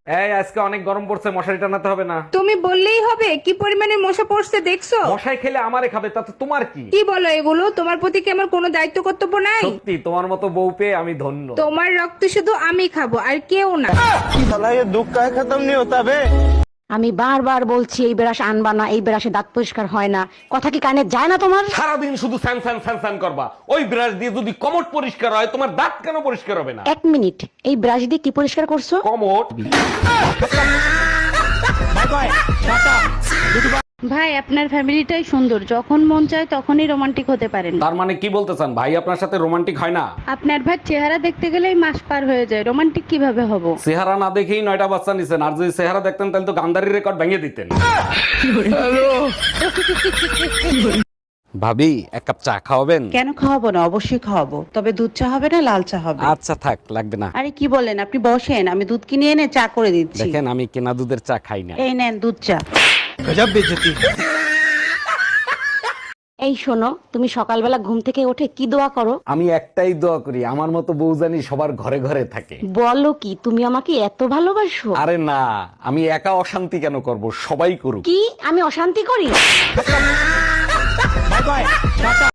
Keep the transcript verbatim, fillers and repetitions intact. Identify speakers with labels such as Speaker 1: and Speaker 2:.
Speaker 1: এই আজকে অনেক গরম পড়ছে, মশারি টানাতে হবে না?
Speaker 2: তুমি বললেই হবে কি পরিমাণে মশা পড়ছে দেখছো?
Speaker 1: মশাই খেলে আমারে খাবে, তাতে তোমার কি?
Speaker 2: কি বলো এগুলো? তোমার প্রতি কি আমার কোনো দায়িত্ব কর্তব্য নাই?
Speaker 1: সত্যি তোমার মতো বউ পেয়ে আমি ধন্য।
Speaker 2: তোমার রক্ত শুধু আমি খাবো আর কেউ না।
Speaker 3: আমি বারবার বলছি এই ব্রাশ আনবা না, এই ব্রাশে দাঁত পরিষ্কার হয় না, কথা কি কানে যায় না তোমার?
Speaker 1: সারাদিন শুধু স্যান স্যান স্যান স্যান করবা। ওই ব্রাশ দিয়ে যদি কমট পরিষ্কার হয়, তোমার দাঁত কেন পরিষ্কার হবে না?
Speaker 3: এক মিনিট, এই ব্রাশ দিয়ে কি পরিষ্কার করছো?
Speaker 1: কমট।
Speaker 4: ভাই আপনার ফ্যামিলিটাই সুন্দর, যখন মন চায় তখনই রোমান্টিক হতে পারেন।
Speaker 1: তার মানে কি বলতে চান, ভাই আপনার সাথে রোমান্টিক হয় না?
Speaker 4: আপনার ভাই চেহারা দেখতে গেলেই মাস পার হয়ে যায়, রোমান্টিক কিভাবে হব?
Speaker 1: চেহারা না দেখেই নয়টা বাচ্চা নিছেন, আর যদি চেহারা দেখতেন তাহলে তো গান্ধারি রেকর্ড ভেঙে দিতেন। ভাবি এক কাপ চা খাওয়াবেন?
Speaker 5: কেন খাওয়াবো না, অবশ্যই খাওয়াবো, তবে দুধ চা হবে না লাল চা হবে?
Speaker 1: আচ্ছা থাক, লাগবে না।
Speaker 5: আরে কি বলেন, আপনি বসেন, আমি দুধ কিনে এনে চা করে দিচ্ছি।
Speaker 1: দেখেন আমি কেনা দুধের চা খাই না।
Speaker 5: এই নেন দুধ চা।
Speaker 3: এই শোনো, তুমি সকালবেলা ঘুম থেকে উঠে কি দোয়া করো?
Speaker 1: আমি একটাই দোয়া করি, আমার মতো বউ জানি সবার ঘরে ঘরে থাকে।
Speaker 3: বলো কি, তুমি আমাকে এত ভালোবাসো?
Speaker 1: আরে না, আমি একা অশান্তি কেন করব, সবাই করুক।
Speaker 3: কি আমি অশান্তি করি?